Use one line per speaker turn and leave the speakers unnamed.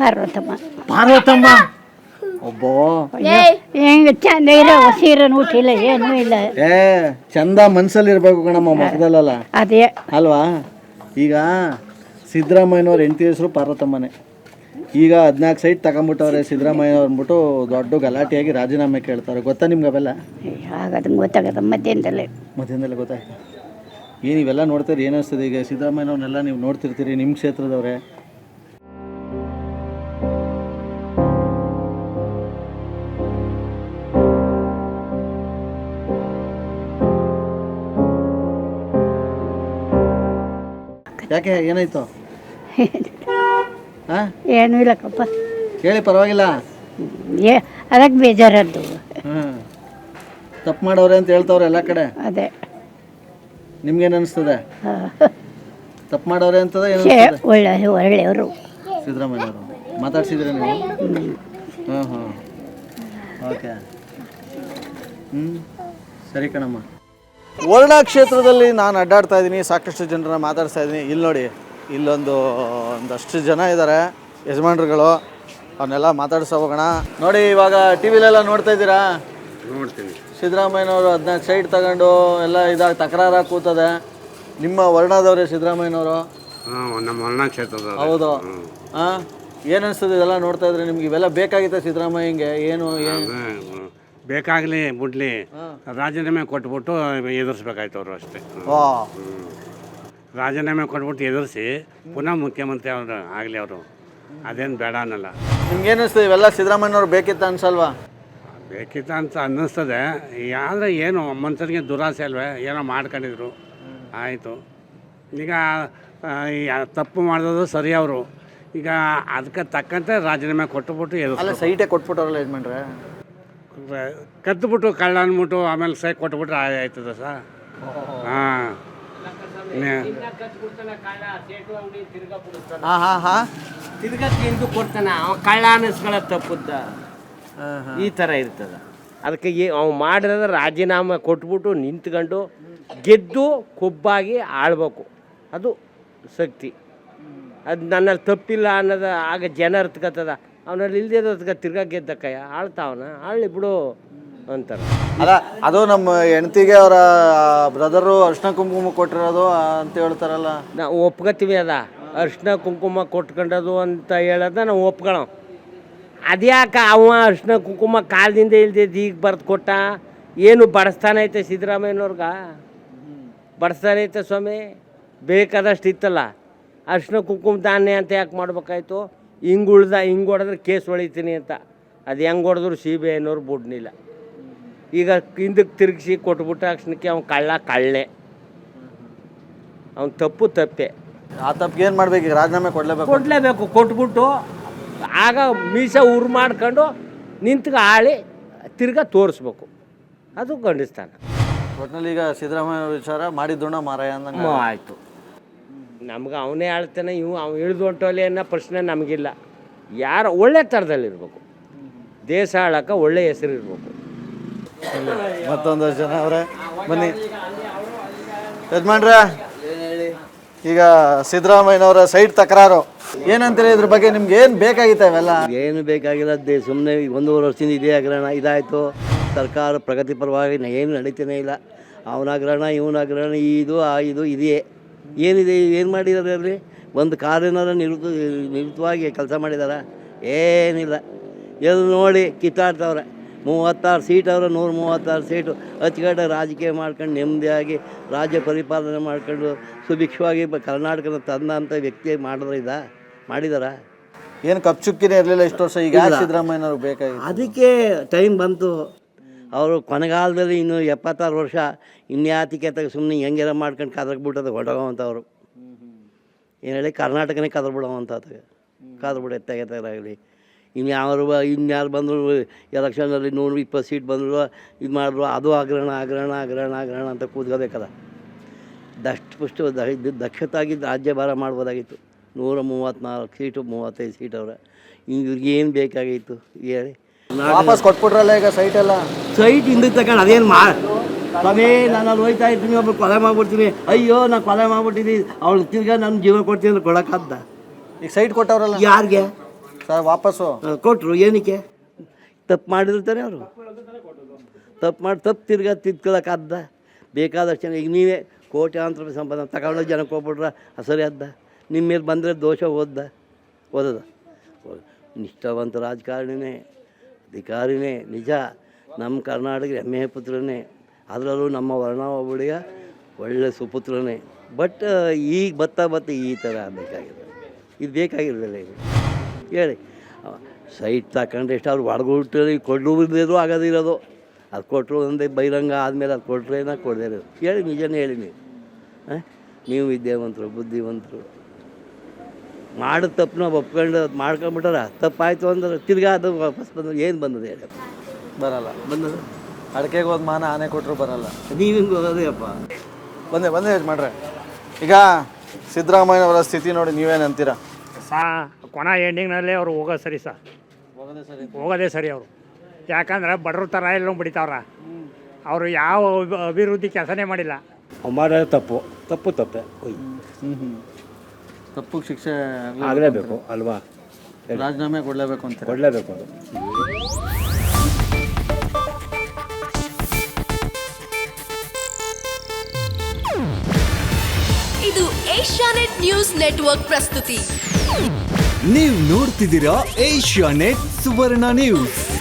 ಪಾರ್ವತಮ್ಮ ಒಬ್ಬೋ
ಹೆಂಗ ಚಂದ ಇರೋ ಸೀರೆನೂ ಉಟ್ಟಿಲ್ಲ ಏನೂ ಇಲ್ಲ.
ಚಂದ ಮನ್ಸಲ್ಲಿ ಇರ್ಬೇಕು ಕಣಮ್ಮ, ಮುಖದಲ್ಲ
ಅದೇ
ಅಲ್ವಾ. ಈಗ ಸಿದ್ದರಾಮಯ್ಯನವ್ರ ಹೆಂಡತಿ ಹೆಸರು ಪಾರ್ವತಮ್ಮನೆ. ಈಗ 14 ಸೈಟ್ ತಗೊಂಬಿಟ್ಟವ್ರೆ ಸಿದ್ದರಾಮಯ್ಯ ಅಂದ್ಬಿಟ್ಟು ದೊಡ್ಡ ಗಲಾಟೆಯಾಗಿ ರಾಜೀನಾಮೆ ಕೇಳ್ತಾರೆ. ಗೊತ್ತಾ ನಿಮ್ಗೆ ಅವೆಲ್ಲ?
ಹಾಗಾದ್ರೆ ಗೊತ್ತಾಗದ ಮಧ್ಯಾಹ್ನದಲ್ಲೇ
ಗೊತ್ತಾಯ್ತು. ಏನು ಇವೆಲ್ಲ ನೋಡ್ತೀರಿ, ಏನಿಸ್ತದೆ? ಈಗ ಸಿದ್ದರಾಮಯ್ಯನವ್ರನ್ನೆಲ್ಲ ನೀವು ನೋಡ್ತಿರ್ತೀರಿ ನಿಮ್ಮ ಕ್ಷೇತ್ರದವ್ರೆ. ಯಾಕೆ ಏನಾಯ್ತು?
ಏನೂ ಇಲ್ಲಕ್ಕಪ್ಪ,
ಹೇಳಿ ಪರವಾಗಿಲ್ಲ.
ಅದಕ್ಕೆ ಬೇಜಾರದ್ದು.
ತಪ್ಪು ಮಾಡೋರೆ ಅಂತ ಹೇಳ್ತವ್ರೆ ಎಲ್ಲ ಕಡೆ.
ಅದೇ
ನಿಮ್ಗೇನು ಅನಿಸ್ತದೆ? ತಪ್ಪು ಮಾಡೋರೆ ಅಂತದ
ಒಳ್ಳೆಯವರು
ಸಿದ್ದರಾಮಯ್ಯವರು. ಮಾತಾಡ್ಸಿದ್ರೆ ನೀವು? ಹಾಂ ಓಕೆ, ಸರಿ ಕಣಮ್ಮ. ವರ್ಣ ಕ್ಷೇತ್ರದಲ್ಲಿ ನಾನು ಅಡ್ಡಾಡ್ತಾ ಇದ್ದೀನಿ, ಸಾಕಷ್ಟು ಜನರನ್ನ ಮಾತಾಡ್ತಾ ಇದ್ದೀನಿ. ಇಲ್ಲಿ ನೋಡಿ, ಒಂದಷ್ಟು ಜನ ಇದ್ದಾರೆ ಯಜಮಾನ್ರುಗಳು, ಅವನ್ನೆಲ್ಲ ಮಾತಾಡ್ಸೋ ಹೋಗೋಣ. ನೋಡಿ, ಇವಾಗ ಟಿ ವಿಲೆಲ್ಲ ನೋಡ್ತಾ ಇದ್ದೀರಾ?
ನೋಡ್ತೀನಿ.
ಸಿದ್ದರಾಮಯ್ಯನವರು 14 ಸೈಟ್ ತಗೊಂಡು ಎಲ್ಲ ಇದಾಗಿ ತಕರಾರಾಗಿ ಕೂತದೆ. ನಿಮ್ಮ ವರ್ಣದವ್ರೆ ಸಿದ್ದರಾಮಯ್ಯನವರು?
ನಮ್ಮ ವರ್ಣ ಕ್ಷೇತ್ರದ.
ಹೌದು. ಏನು ಅನಿಸ್ತದೆ ಇದೆಲ್ಲ ನೋಡ್ತಾ ಇದ್ರೆ ನಿಮ್ಗೆ? ಇವೆಲ್ಲ ಬೇಕಾಗಿತ್ತ ಸಿದ್ದರಾಮಯ್ಯಂಗೆ? ಏನು
ಬೇಕಾಗಲಿ ಬಿಡ್ಲಿ, ರಾಜೀನಾಮೆ ಕೊಟ್ಬಿಟ್ಟು ಎದುರಿಸ್ಬೇಕಾಯ್ತು ಅವರು ಅಷ್ಟೇ. ರಾಜೀನಾಮೆ ಕೊಟ್ಬಿಟ್ಟು ಎದುರಿಸಿ ಪುನಃ ಮುಖ್ಯಮಂತ್ರಿ ಅವರು ಆಗಲಿ, ಅವರು ಅದೇನು ಬೇಡ ಅನ್ನಲ್ಲ.
ನಿಮ್ಗೆ ಏನಿಸ್ತದೆ ಇವೆಲ್ಲ ಸಿದ್ದರಾಮಯ್ಯನವ್ರು ಬೇಕಿತ್ತ ಅನ್ಸಲ್ವಾ?
ಬೇಕಿತ್ತ ಅಂತ ಅನ್ನಿಸ್ತದೆ. ಆದರೆ ಏನು ಮನುಷ್ಯರಿಗೆ ದುರಾಸೆ ಅಲ್ವೇ, ಏನೋ ಮಾಡ್ಕೊಂಡಿದ್ರು ಆಯಿತು. ಈಗ ತಪ್ಪು ಮಾಡಿದ್ರು ಸರಿ ಅವರು. ಈಗ ಅದಕ್ಕೆ ತಕ್ಕಂತೆ ರಾಜೀನಾಮೆ ಕೊಟ್ಟುಬಿಟ್ಟು
ಎದುರು ಸೈಟೇ ಕೊಟ್ಬಿಟ್ಟವ್ರಲ್ಲ ಯಜಮಾನ್ರೆ.
ಕದ್ದುಬಿಟ್ಟು ಕಳ್ಳ ಅಂದ್ಬಿಟ್ಟು ಆಮೇಲೆ ಸೈ ಕೊಟ್ಬಿಟ್ರೆ ಆಯ್ತದ ಸರ್. ಹಾಂ
ತಿರ್ಗಾ ತಿಂದು ಕೊಡ್ತಾನೆ ಅವ, ಕಳ್ಳ ಅನ್ನಿಸ್ಕೊಳ್ಳೋ ತಪ್ಪುದ್ದ. ಈ ಥರ ಇರ್ತದ. ಅದಕ್ಕೆ ಅವ್ನು ಮಾಡಿರೋದು ರಾಜೀನಾಮೆ ಕೊಟ್ಬಿಟ್ಟು ನಿಂತ್ಕೊಂಡು ಗೆದ್ದು ಕೊಬ್ಬಾಗಿ ಆಳ್ಬೇಕು, ಅದು ಶಕ್ತಿ. ಅದು ನನ್ನಲ್ಲಿ ತಪ್ಪಿಲ್ಲ ಅನ್ನೋದು ಆಗ ಜನ ಅರ್ತ್ಕತ್ತದ. ಅವನಲ್ಲಿ ಇಲ್ದೇದಕ್ಕೆ ತಿರ್ಗಾ ಗೆದ್ದಕ್ಕಯ್ಯ ಆಳ್ತಾವನ, ಆಳ್ಳಿ ಬಿಡು ಅಂತಾರೆ.
ಅಲ್ಲ, ಅದು ನಮ್ಮ ಹೆಂಡತಿಗೆ ಅವರ ಬ್ರದರು ಅರ್ಶಿನ ಕುಂಕುಮ ಕೊಟ್ಟಿರೋದು ಅಂತ ಹೇಳ್ತಾರಲ್ಲ.
ನಾವು ಒಪ್ಕೋತೀವಿ, ಅದ ಅರ್ಶಿನ ಕುಂಕುಮ ಕೊಟ್ಕೊಂಡದು ಅಂತ ಹೇಳೋದ ನಾವು ಒಪ್ಕೊಳ್ಳೋ. ಅದ್ಯಾಕೆ ಅವ ಅರ್ಶಿನ ಕುಂಕುಮ ಕಾಲದಿಂದ ಇಲ್ದಿದ್ದು ಈಗ ಬರೆದು ಕೊಟ್ಟ? ಏನು ಬಡಿಸ್ತಾನೈತೆ ಸಿದ್ದರಾಮಯ್ಯನವ್ರಿಗೆ? ಬಡಿಸ್ತಾನೈತೆ ಸ್ವಾಮಿ, ಬೇಕಾದಷ್ಟು ಇತ್ತಲ್ಲ. ಅರ್ಶಿನ ಕುಂಕುಮ ಧಾನ್ಯ ಅಂತ ಯಾಕೆ ಮಾಡ್ಬೇಕಾಯ್ತು? ಹಿಂಗೆ ಹೊಡೆದ್ರೆ ಕೇಸ್ ಹೊಳಿತೀನಿ ಅಂತ. ಅದು ಹೆಂಗೆ ಹೊಡೆದ್ರು CBI ಬಿಡ್ನಿಲ್ಲ. ಈಗ ಹಿಂದಕ್ಕೆ ತಿರುಗಿಸಿ ಕೊಟ್ಬಿಟ್ಟ ಅಕ್ಷಣಕ್ಕೆ ಅವ್ನು ಕಳ್ಳೆ, ಅವ್ನು ತಪ್ಪೇ.
ಆ ತಪ್ಪಿಗೆ ಏನು ಮಾಡ್ಬೇಕು? ಈಗ ರಾಜೀನಾಮೆ
ಕೊಡಲೇಬೇಕು. ಕೊಟ್ಬಿಟ್ಟು ಆಗ ಮೀಸ ಉರು ಮಾಡ್ಕೊಂಡು ನಿಂತ್ಗೆ ಆಳಿ ತಿರ್ಗಾ ತೋರಿಸ್ಬೇಕು, ಅದು ಗಂಡಿಸ್ತಾನ.
ಒಟ್ಟಿನಲ್ಲಿ ಈಗ ಸಿದ್ದರಾಮಯ್ಯ ವಿಚಾರ ಮಾಡಿದ್ದೋಣ ಮಾರಾಯ ಅಂದಂಗೆ
ಆಯಿತು. ನಮ್ಗೆ ಅವನೇ ಆಳ್ತಾನೆ, ಅವ್ನು ಇಳಿದು ಹೊಂಟೋಲಿ ಅನ್ನೋ ಪ್ರಶ್ನೆ ನಮಗಿಲ್ಲ. ಯಾರು ಒಳ್ಳೆ ಥರದಲ್ಲಿರ್ಬೇಕು, ದೇಶ ಆಳಕ್ಕೆ ಒಳ್ಳೆ ಹೆಸರು ಇರಬೇಕು.
ಮತ್ತೊಂದಷ್ಟು ಜನ ಅವರೇ, ಬನ್ನಿ ಯಜಮಾನ್ರೆ. ಈಗ ಸಿದ್ದರಾಮಯ್ಯನವರ ಸೈಟ್ ತಕರಾರು ಏನಂತಾರೆ? ಇದ್ರ ಬಗ್ಗೆ ನಿಮ್ಗೆ ಏನು ಬೇಕಾಗಿತ್ತ? ಇವೆಲ್ಲ
ಏನು ಬೇಕಾಗಿಲ್ಲ, ಸುಮ್ಮನೆ 1.5 ವರ್ಷದಿಂದ ಇದೇ ಹಗರಣ ಇದಾಯಿತು. ಸರ್ಕಾರ ಪ್ರಗತಿ ಪರವಾಗಿ ಏನು ನಡೀತಾನೆ ಇಲ್ಲ. ಅವನ ಹಗರಣ, ಇವನ ಹಗರಣ, ಇದು ಇದೆಯೇ. ಏನಿದೆ? ಏನು ಮಾಡಿದ್ದಾರೆ ಅಲ್ಲಿ? ಒಂದು ಕಾರಿನಾರ ನಿರುತವಾಗಿ ಕೆಲಸ ಮಾಡಿದಾರ? ಏನಿಲ್ಲ. ಎಲ್ಲಿ ನೋಡಿ ಕಿತ್ತಾಡ್ತವ್ರೆ. 36 ಸೀಟ್ ಅವ್ರೆ, 136 ಸೀಟು ಅಚ್ಚುಕಟ್ಟಾಗಿ ರಾಜಕೀಯ ಮಾಡ್ಕೊಂಡು ನೆಮ್ಮದಿಯಾಗಿ ರಾಜ್ಯ ಪರಿಪಾಲನೆ ಮಾಡ್ಕೊಂಡು ಸುಭಿಕ್ಷವಾಗಿ ಕರ್ನಾಟಕದ ತಂದಂಥ ವ್ಯಕ್ತಿ ಮಾಡಿದಾರ?
ಏನು ಕಪ್ಚುಕ್ಕಿನೇ ಇರಲಿಲ್ಲ ಇಷ್ಟು ವರ್ಷ. ಈಗ ಸಿದ್ದರಾಮಯ್ಯನವ್ರು ಬೇಕಾಗಿ
ಅದಕ್ಕೆ ಟೈಮ್ ಬಂತು. ಅವರು ಕೊನೆಗಾಲದಲ್ಲಿ ಇನ್ನು 76 ವರ್ಷ ಇನ್ಯಾತಿಕೆ ಸುಮ್ಮನೆ ಹೆಂಗೆಲ್ಲ ಮಾಡ್ಕೊಂಡು ಕದರ್ಬಿಟ್ಟದ ಹೊಡೋವಂಥವ್ರು. ಏನು ಹೇಳಿ, ಕರ್ನಾಟಕನೇ ಕದರ್ಬಿಡೋವಂಥದ್ದು. ಕದರ್ಬಿಟ್ಟು ಎತ್ತಾಗಲಿ. ಇನ್ಯಾರು ಬಂದರು ಎಲೆಕ್ಷನಲ್ಲಿ 120 ಸೀಟ್ ಬಂದರು, ಇದು ಮಾಡಿದ್ರು, ಅದು ಹಗರಣ ಅಂತ ಕೂತ್ಕೋಬೇಕಲ್ಲ. ದಕ್ಷತಾಗಿ ರಾಜ್ಯಭಾರ ಮಾಡ್ಬೋದಾಗಿತ್ತು. 134 ಸೀಟು, 35 ಸೀಟ್ ಅವ್ರೆ. ಇವ್ರಿಗೆ ಏನು ಬೇಕಾಗಿತ್ತು ಹೇಳಿ?
ವಾಪಸ್ ಕೊಟ್ಬಿಟ್ರಲ್ಲ ಈಗ ಸೈಟ್ ಎಲ್ಲ.
ಸೈಟ್ ಹಿಂದಕ್ಕೆ ತಗೊಂಡು ಅದೇನು ಸ್ವಾಮಿ, ನಾನು ಅಲ್ಲಿ ಹೋಯ್ತಾ ಇರ್ತೀನಿ, ಒಬ್ಬರು ಕೊಲೆ ಮಾಡ್ಬಿಡ್ತೀನಿ, ಅಯ್ಯೋ ನಾನು ಕೊಲೆ ಮಾಡ್ಬಿಟ್ಟಿದ್ದೀನಿ, ಅವಳು ತಿರ್ಗಾ ನನ್ನ ಜೀವ ಕೊಡ್ತೀನಿ ಅಂದ್ರೆ ಕೊಡೋಕ್ಕಾದ?
ಈಗ ಸೈಟ್ ಕೊಟ್ಟವ್ರಲ್ಲ
ಯಾರಿಗೆ?
ಸರ್ ವಾಪಸ್ಸು
ಕೊಟ್ಟರು ಏನಕ್ಕೆ ತಪ್ಪು ಮಾಡಿರ್ತಾನೆ ಅವರು ತಪ್ಪು ತಿರ್ಗಾ ತಿದ್ಕೊಳ್ಳೋಕ್ಕಾದ್ದ ಬೇಕಾದಷ್ಟು ಜನ ಈಗ ನೀವೇ ಕೋಟ್ಯಾಂತರ ರೂಪಾಯಿ ಸಂಪಾದನೆ ತಗೊಂಡು ಜನಕ್ಕೆ ಹೋಗ್ಬಿಟ್ರೆ ಸರಿ ಅದ್ದ ನಿಮ್ಮ ಮೇಲೆ ಬಂದರೆ ದೋಷ ಓದದ ನಿಷ್ಠಾವಂತ ರಾಜಕಾರಣಿನೇ ಅಧಿಕಾರಿನೇ ನಿಜ ನಮ್ಮ ಕರ್ನಾಟಕ ಹೆಮ್ಮೆಯ ಪುತ್ರನೇ ಅದರಲ್ಲೂ ನಮ್ಮ ವರ್ಣಾವಳಿಯ ಒಳ್ಳೆ ಸುಪುತ್ರನೇ ಬಟ್ ಈಗ ಬತ್ತಾ ಈ ಥರ ಬೇಕಾಗಿದೆ ಇದು ಬೇಕಾಗಿರಲಿಲ್ಲ ಇದು ಹೇಳಿ ಸೈಟ್ ತಗೊಂಡ್ರೆ ಎಷ್ಟು ಅವ್ರು ಹೊಡ್ಬಿಟ್ಟು ಕೊಡೋದಿದ್ರು ಆಗೋದಿರೋದು ಅದು ಕೊಟ್ಟರು ಒಂದೇ ಬಹಿರಂಗ ಆದಮೇಲೆ ಅದು ಕೊಟ್ಟರೆ ಕೊಡದೇ ಇರೋದು ಹೇಳಿ ನಿಜನೇ ಹೇಳಿ ನೀವು ವಿದ್ಯಾವಂತರು ಬುದ್ಧಿವಂತರು ಮಾಡಿದ ತಪ್ಪನ್ನ ಒಪ್ಕೊಂಡು ಮಾಡ್ಕೊಂಬಿಟ್ಟಾರ ತಪ್ಪಾಯಿತು ಅಂದ್ರೆ ತಿರ್ಗಾ ಅದು ವಾಪಸ್ ಬಂದ್ರೆ ಏನು ಬಂದದೆ ಹೇಳಿ
ಬರಲ್ಲ.
ಬಂದದ
ಅಡಿಕೆಗೆ ಹೋದ ಮಾನ ಆನೆ ಕೊಟ್ಟರು ಬರಲ್ಲ.
ನೀವು ಹಿಂಗೆ ಹೋಗೋದೇಪ್ಪ
ಬಂದೆ ಯಜಮಾನ್ರೆ. ಈಗ ಸಿದ್ದರಾಮಯ್ಯನವರ ಸ್ಥಿತಿ ನೋಡಿ ನೀವೇನು ಅಂತೀರಾ?
ಕೊನ ಎಂಡಿಂಗ್ನಲ್ಲಿ ಅವರು ಹೋಗೋದು ಸರಿ ಹೋಗೋದೇ ಸರಿ ಅವರು. ಯಾಕಂದ್ರೆ ಬಡವ್ರ ಥರ ಎಲ್ಲ ಬಿಡಿತಾವ್ರ. ಅವರು ಯಾವ ಅಭಿವೃದ್ಧಿ ಕೆಲಸನೇ ಮಾಡಿಲ್ಲ.
ಮಾಡೋದು ತಪ್ಪೆ
ತಪ್ಪಿಗೆ ಶಿಕ್ಷೆ
ಆಗಲೇಬೇಕು ಅಲ್ವಾ?
ರಾಜೀನಾಮೆ ಕೊಡಲೇಬೇಕು ಅಂತ
ಕೊಡಲೇಬೇಕು ಅದು.
ಇದು ಏಷ್ಯಾನೆಟ್ ನ್ಯೂಸ್ ನೆಟ್ವರ್ಕ್ ಪ್ರಸ್ತುತಿ.
ನೀವು ನೋಡ್ತಿದ್ದೀರಾ ಏಷ್ಯಾನೆಟ್ ಸುವರ್ಣ ನ್ಯೂಸ್.